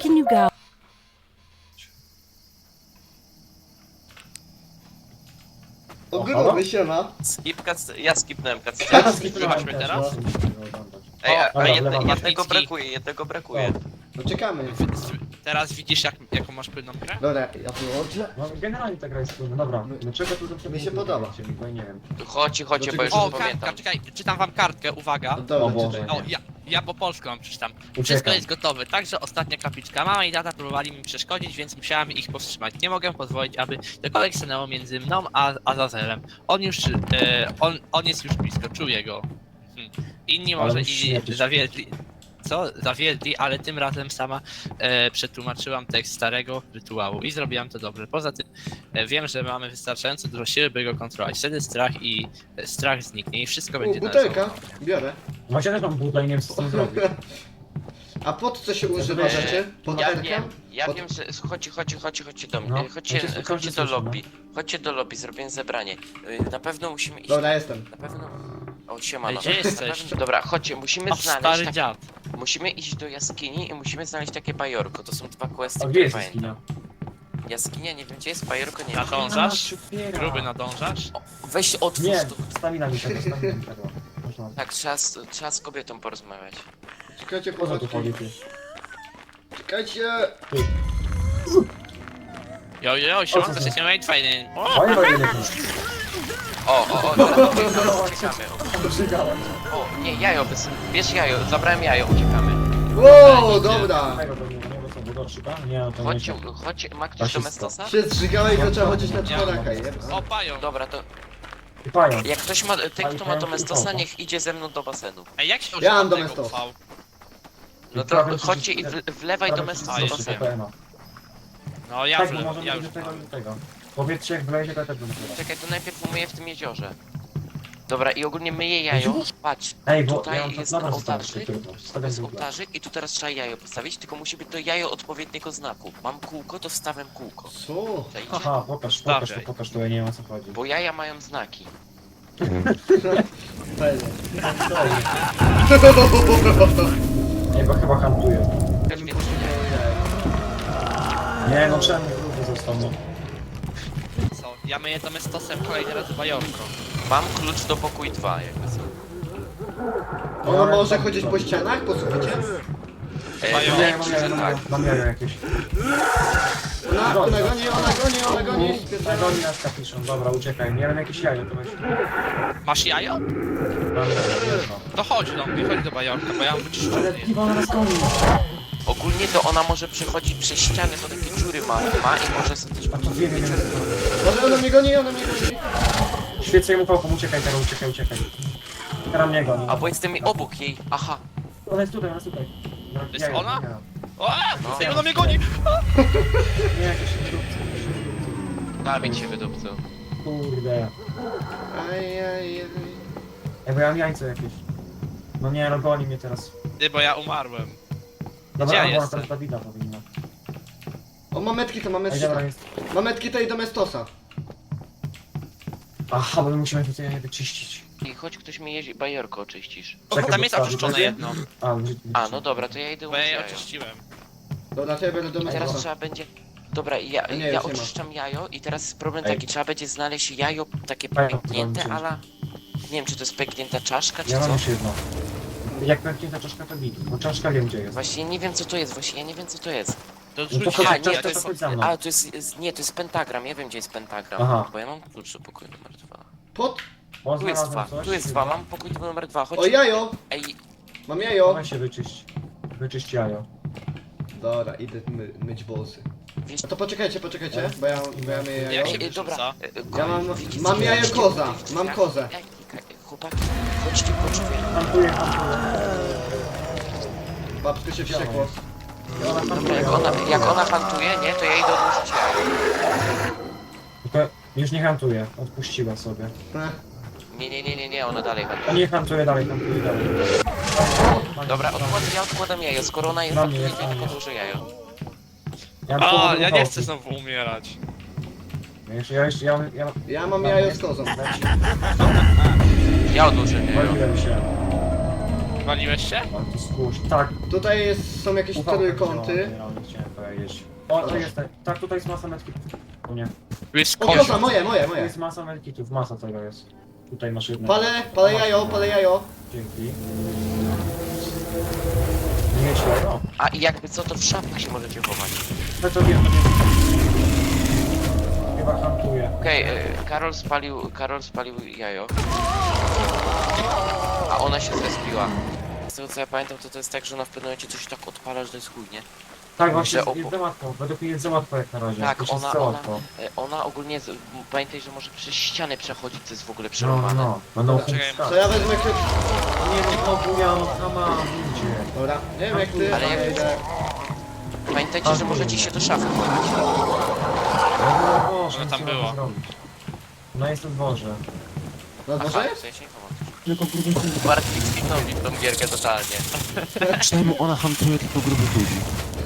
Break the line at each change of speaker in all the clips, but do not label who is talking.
can you go?
O gruby siema.
Ja skipnąłem
Ja
cutscenę.
skipnąłem
Zobaczmy
też,
teraz.
no.
Ej, a
Dobra,
jednego
lewa,
jednego brakuje.
No czekamy.
Teraz widzisz jaką masz płynną grę?
Dobra, ja wyłączę.
No generalnie ta gra jest trudna, dobra. Dlaczego tu zawsze
Mi się
było
podoba.
trudno, bo nie wiem.
Chodźcie, bo
Dlaczego
już
się-
O,
nie pamiętam.
kartka, czekaj, czytam wam kartkę, uwaga.
No dobra,
O Boże.
czytaj.
O, ja po polsku wam przeczytam. Wszystko
Uciekam.
jest gotowe, także ostatnia kapliczka. Mama i tata próbowali mi przeszkodzić, więc musiałam ich powstrzymać. Nie mogę pozwolić, aby cokolwiek stanęło między mną a Azazelem. On jest już blisko, czuję go. Inni
Ale
może
musisz
i
śmierdzieć.
zawiedli. Co? Zawiedli, ale tym razem sama przetłumaczyłam tekst starego rytuału i zrobiłam to dobrze. Poza tym wiem, że mamy wystarczająco dużo siły, by go kontrolować. Wtedy strach zniknie i wszystko będzie
Butelka, biorę.
Właśnie też mam butla i nie wiem co z tym zrobić.
A pod co się używa rzeczy? Pod
Ja
terkę?
wiem, ja
Pod-
wiem, że chodźcie do mnie,
No,
chodźcie
ja cię
do
słyszę,
lobby, chodźcie do lobby, zrobię zebranie. Na pewno musimy iść,
Dobra, jestem.
na pewno... O, siemano.
Gdzie
Na
jesteś?
pewno- Dobra, chodźcie, musimy
O,
znaleźć,
stary
tak,
dziad.
musimy iść do jaskini i musimy znaleźć takie bajorko, to są dwa questy,
A
które
gdzie jest
pamiętam.
jaskinia?
Jaskinia, nie wiem gdzie jest, bajorko, nie wiem.
Nadążasz?
Otwiera.
Gruby nadążasz?
Weź otwórz
Nie,
to.
stamina mi tego, stamina mi tego. Można.
Tak, trzeba z kobietą porozmawiać.
Czekajcie,
Po co tu
chłopaki.
chodzi ty?
Czekajcie.
Jo, siłanko się nie fajny. O!
Fajnie, fajnie, lepiej.
Teraz uciekamy.
Przygałem.
O, nie, jajo, bierz jajo, zabrałem jajo, uciekamy.
Wow, dobra.
Tego to nie bo co, budowszyka? Nie, no to nie.
Chodźcie, ma ktoś
Rasista.
domestosa?
Się zżygałeś, to trzeba chodzić na czworaka, jeb.
O, pają.
Dobra, to
I pająk.
jak ktoś ma, ten kto ma
Pająk
domestosa,
utopa.
niech idzie ze mną do basenu.
Ej, jak się
Ja mam
używa tego
domestos.
UV?
No to
Prawie
chodźcie i
wszyscy-
wlewaj
Prawie
domestosa
wszyscy
do
są
basenu.
basenu.
PPM-a.
No ja
Tak, bo
już,
możemy
ja
iść
już
do tego,
mam.
do tego. Powiedzcie jak wlezie, to ja też będę wlewał.
Czekaj, to najpierw umyję w tym jeziorze. Dobra, i ogólnie myję jajo. Patrz,
Ej, bo
tutaj
ja mam
jest
dobra
ołtarzyk.
tylko.
To
Stawiam
jest
butla.
ołtarzyk i tu teraz trzeba jajo postawić, tylko musi być to jajo odpowiedniego znaku. Mam kółko, to wstawiam kółko.
Co?
Czajcie?
Haha, pokaż, to ja nie wiem o co chodzi.
Bo jaja mają znaki.
Fajnie.
Nie, bo chyba hantuję.
Więc
Nie, no czemu gruby został, no.
Co? Ja myję domestosem kolejny raz bajorko.
mam klucz do pokój 2, jakby co.
Ona może chodzić po ścianach, po suficie?
Mają-
Wydaje
Nie,
mi się, że tak.
mam jajo jakieś.
Ona goni,
Na goni nas kapiszą, dobra, uciekaj. Nie wiem jakieś jajo, to weź.
Masz jajo?
Mam jajo,
To chodź do mnie, chodź do bajorka, bo ja mam
Ale
wyczyszczony.
piwo na nas goni.
Ogólnie to ona może przechodzić przez ściany, to takie dziury ma i może sobie też...
A to wiem.
Może ona mnie goni.
Świecę mu pałką, uciekaj teraz, uciekaj. Teraz mnie goni.
Albo jestem obok jej, aha.
Ona jest tutaj. No,
jest
jajo,
ona?
jajo.
O!
No.
Ej, ona mnie goni!
Nie, jakieś dupce.
Dawid się wydupcył.
Kurde.
Ajajaj.
Ej, bo ja mam jajco jakieś. No nie, no goni mnie teraz.
Ty, bo ja umarłem.
Dobra,
Gdzie ja
ona
jestem?
teraz Dawida powinna.
O, mametki to mamy
Ej,
trzy.
dobra, jest.
Mametki to i domestosa.
Aha, bo my musimy tutaj je wyczyścić.
I choć ktoś mi jeździ, bajorko oczyścisz.
Czekaj,
Tam
bo
jest
wstawi,
oczyszczone
będzie?
jedno,
A,
No dobra, to ja idę
bo ja
umyć
je
jajo.
oczyściłem.
Dobra, to ja będę
I teraz
domestosa.
trzeba będzie... Dobra, ja
Nie, już nie ma.
oczyszczam jajo i teraz problem
Ej.
taki, trzeba będzie znaleźć jajo takie
Ej,
pęknięte,
to
ale... Nie wiem, czy to jest pęknięta czaszka, czy
Ja mam
co?
już jedno. Jak pęknięta czaszka to bit, bo czaszka wiem gdzie jest.
Właśnie nie wiem co to jest, właśnie ja nie wiem co to jest.
To
No to
rzuć
chodź,
Aha,
jajo,
nie,
ja
to
to
jest...
chodź za mną.
A, to nie, to jest pentagram, ja wiem gdzie jest pentagram.
Aha.
Bo ja mam klucz do pokoju numer 2.
Pod...
O,
Tu jest
znalazłem
2,
coś,
tu jest 2, mam pokój numer 2, chodź.
O, jajo!
Ej,
Mam jajo.
Dawaj się wyczyść. Wyczyść jajo.
Dobra, idę myć włosy.
wiesz...
No to poczekajcie, bo ja myję jajo.
Jak się
Dobra,
wyrzuca?
Ja mam-
widzicie,
mam
co
jajo
ja-
koza, mam kozę.
Chłopaki, chodźcie po drzwi.
Hantuję.
Babsko się wściekło.
Dobra, jak ona hantuje, nie, to ja idę odłożyć jajo.
Tylko już nie hantuję, odpuściła sobie.
Nie, ona dalej
A
hantuje.
nie hantuje dalej, hantuje dalej.
Dobra, ja odkładam jajo, skoro ona jest
Na mnie,
hantuje,
na
to
mnie.
odłożę jajo.
A, ja nie chcę znowu umierać.
Ja
Ja mam jajo z kozą.
Ja odłożę jajo.
waliłem się.
Waliłeś się?
Mam tu skórz. Tak.
Tutaj są jakieś trójkąty.
jeść. O, to jest tak, tutaj jest masa medkitów. U mnie.
Tu jest
O,
kozie.
koza, moje.
Tu jest masa medkitów, masa tego jest. Tutaj masz jedno.
Palę jajo.
Dzięki. Nie mieć jajo?
A i jakby co, to w szafach się możecie chować.
No to wiem. Chyba hantuję.
Okej, Karol spalił jajo. A ona się zrespiła. Z tego co ja pamiętam, to jest tak, że ona w pewnym momencie coś tak odpala, że to jest chujnie.
Tak, właśnie
Że
jest za łatwo. Według mnie jest za łatwo jak na razie.
Tak,
Już jest
ona-
za
ona-
łatwo.
Ona ogólnie, pamiętaj, że może przez ściany przechodzić, co jest w ogóle
No,
przerwane.
no. Będą
Czekaj,
chustać.
To ja wezmę kryp...
Nie wiem, znowu ja mam sama ludzie.
Dobra, nie wiem jak ty,
Ale jak-
ale idę.
Pamiętajcie, że możecie się do szafy chować.
No Boże,
Ono tam
co
było.
mam zrobić? No jest na dworze.
Na
Aha,
dworze
w
jest?
sensie chować.
Tylko grubych ludzi.
Bartki skipnął mi tą gierkę totalnie.
Czemu ona hantuje tylko grubych ludzi?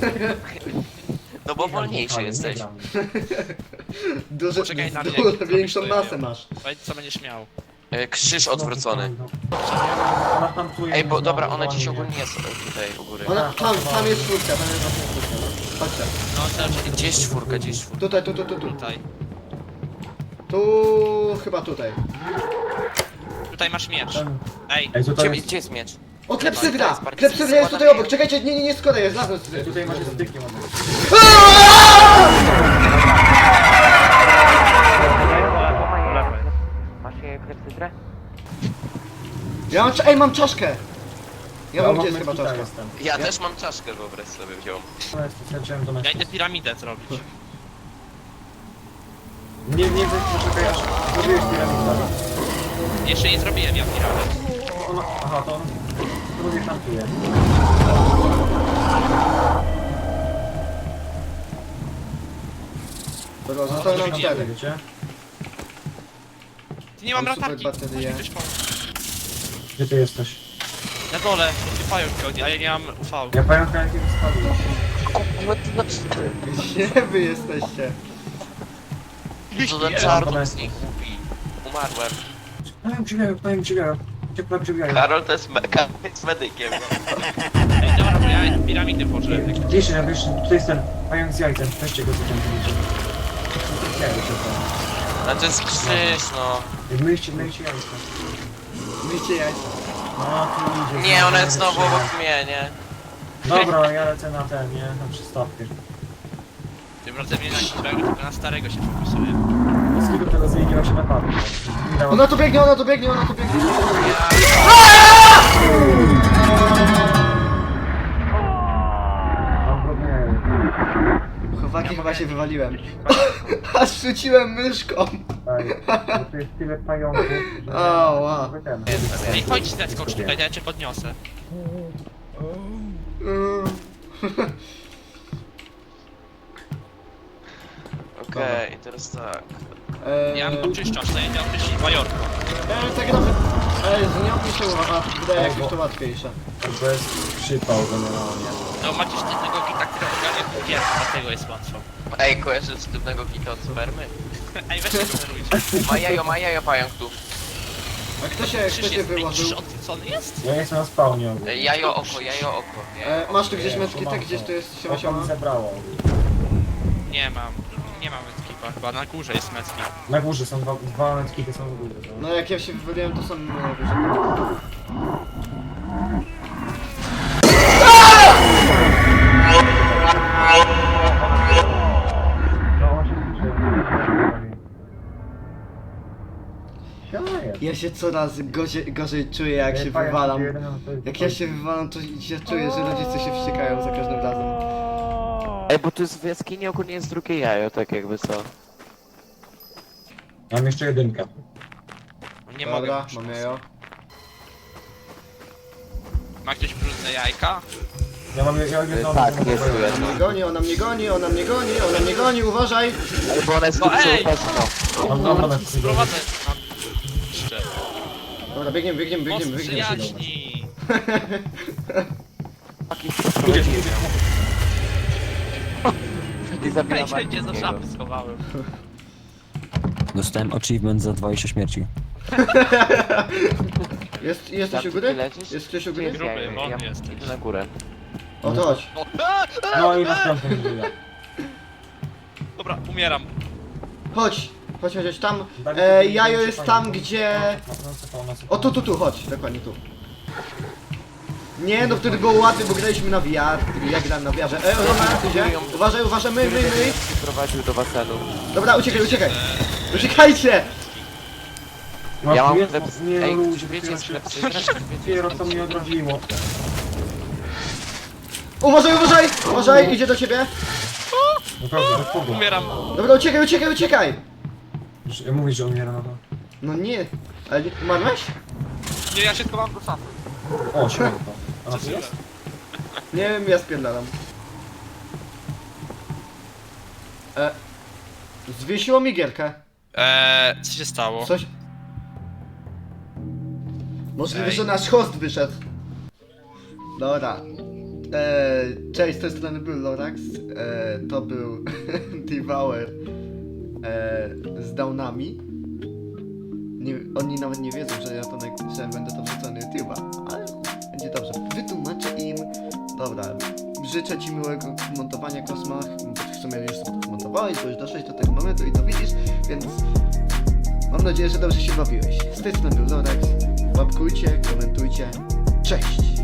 No bo wolniejszy jesteś.
Poczekaj na mnie,
Większą
zrobisz to,
masę
ja
masz.
Powiedz co będziesz miał.
Krzyż odwrócony.
Ona hantuje.
Ej, bo
mnie
dobra,
znowu,
ona dziś
dzwoni mnie.
ogólnie jest tutaj u góry.
Ona, tam jest czwórka, tam jest właśnie czwórka. No. Chodźcie.
No teraz
Gdzie jest czwórka, gdzie jest czwórka?
Tutaj.
tutaj.
Tu, chyba tutaj.
Tutaj masz miecz.
Ten-
Ej,
Ej, tutaj
Gdzie,
jest...
gdzie jest miecz?
O, klepsydra!
To jest bardziej
Klepsydra jest tutaj
składane.
obok, czekajcie, nie, skoro jest, lasem tutaj.
Tutaj masz styki, mamy.
Masz klepsydrę?
Ja mam, mam czaszkę! Ja mam, gdzie jest chyba
medkita
czaszka?
jestem.
Ja też mam czaszkę, wyobraź sobie, wziąłem.
Straciłem do
ja
meczu.
idę piramidę zrobić.
Nie wiem, poczekaj aż zrobiłeś piramidę.
Jeszcze nie zrobiłem ja piramid.
Ona... Aha, to on... To mnie hantuje.
Dobra, zostały nam
widziałem.
4.
Wiecie?
Ty nie mam
Mam super
latarki.
baterie.
Musi ktoś pomóc.
Gdzie ty jesteś?
Na dole, pająk chodzi, a ja nie mam UV.
Ja pamiętam jakiego spadłeś.
Gdzie wy jesteście?
Co za czarno z nich kupi. Umarłem.
Pająk dźwigają. Ciepła dźwigają.
Karol to jest, jest medykiem.
Ej, dobra, bo ja piramidy włożę.
Wiesz, tutaj jest ten pająk z jajcem. Weźcie go zacząć widzieć. Jajo się tam.
No to jest krzyż, no.
Myjcie jajce.
Myjcie jajca.
No, tu idzie.
Nie, ona jest znowu obok mnie, nie?
Dobra, ja lecę na ten, nie? Na przystawkę.
Tym razem nie na nowego, tylko na starego się fokusuję.
Z kiedy tego zmieniła się na padł.
Ona tu biegnie! Chłopaki, chyba się wywaliłem. Aż rzuciłem myszką.
To jest tyle pająków, że...
O, wow.
Jakby ten.
Ej, chodź zeskocz tutaj, to ja cię podniosę.
Okej, teraz tak.
Ja mam oczyszczacz, to ja idę oczyścić bajorkę.
Tak dobrze. Ale nie opiszę, a wydaje jakieś to łatwiejsze.
To jest przypał generalnie.
No macie sztywnego kita, który ogarnia gier, dlatego jest łatwo.
Ej, kojarzysz sztywnego kita od spermy?
Ej, weź tego zerujcie.
Ma jajo pająk tu.
A kto się
Krzyż jest, ej,
wyłożył?
krzyż odwrócony jest?
Ja jestem na spawnie.
Jajo oko, nie?
Masz tu gdzieś meckita? Gdzieś tu jest siema
Oko
siema?
mi zebrało.
Nie mam metkipa, chyba na górze jest metki.
Na górze są dwa medkity są w górze.
No jak ja się wywaliłem, to sam wyżej.
No on się liczy.
Ja się coraz gorzej czuję, jak się wywalam. Jak ja się wywalam, to ja czuję, że rodzice się wściekają za każdym razem.
Ej, bo tu jest w jaskini ogólnie jest drugie jajo, tak jakby co.
Mam jeszcze jedynkę.
Nie
Dobra,
mogę.
mam jajo.
Ma ktoś brudne jajka?
Ja mam jedną...
Tak,
jedną-
jest tu jedno.
Ona mnie goni, uważaj!
Ej, bo ona jest
No
tu
ej!
no.
Mam dwa medkity.
Sprowadzę tam jeszcze.
Dobra, biegniemy.
Most przyjaźni.
Idzie.
I zabijam
Ej, wszędzie za szafy schowałem.
Dostałem achievement za 20 śmierci.
Jest ktoś u góry?
Lecisz?
Jest ktoś u
Gdzie
góry?
jest jajo?
Gruby, on
Ja
jest.
idę na górę.
O, to chodź.
No i następny wybiega.
Dobra, umieram.
Chodź, tam.
Dawid,
Jajo
to
jest
fajnie,
tam,
no.
gdzie...
No,
O, tu, chodź, dokładnie tu. Nie, no wtedy było łatwiej, bo graliśmy na VR. Ja grałem na VR-ze. Roman, idzie. Uważaj, my.
Prowadził do basenu.
Dobra, uciekaj. Uciekajcie!
Ja mam
Nie,
sklep...
nie,
Ej,
ludzie,
czy wiecie
dopiero
sklep...
się-
czy wiecie
Dopiero co mnie odrodziło.
Uważaj, idzie do ciebie.
Naprawdę, bez powodu.
Umieram.
Dobra, uciekaj.
Mówisz, że umiera na to.
No nie, ale nie umarłeś?
Nie, ja się schowam do szafy.
O, śmiało to. A na co jest?
Nie wiem, ja spierdalam. Zwiesiło mi gierkę.
Co się stało?
Coś... Możliwe,
Ej.
że nasz host wyszedł. Dobra. Cześć, z tej strony był Lorax. To był Devour z downami. Oni nawet nie wiedzą, że ja to że będę to wrzucał na YouTube'a, ale będzie dobrze. Wytłumaczę im. Dobra, życzę ci miłego montowania, Kosmach. W sumie już to zmontowałeś, bo już doszłeś do tego momentu i to widzisz, więc mam nadzieję, że dobrze się bawiłeś. Z tej strony był Lorax. Łapkujcie, komentujcie. Cześć!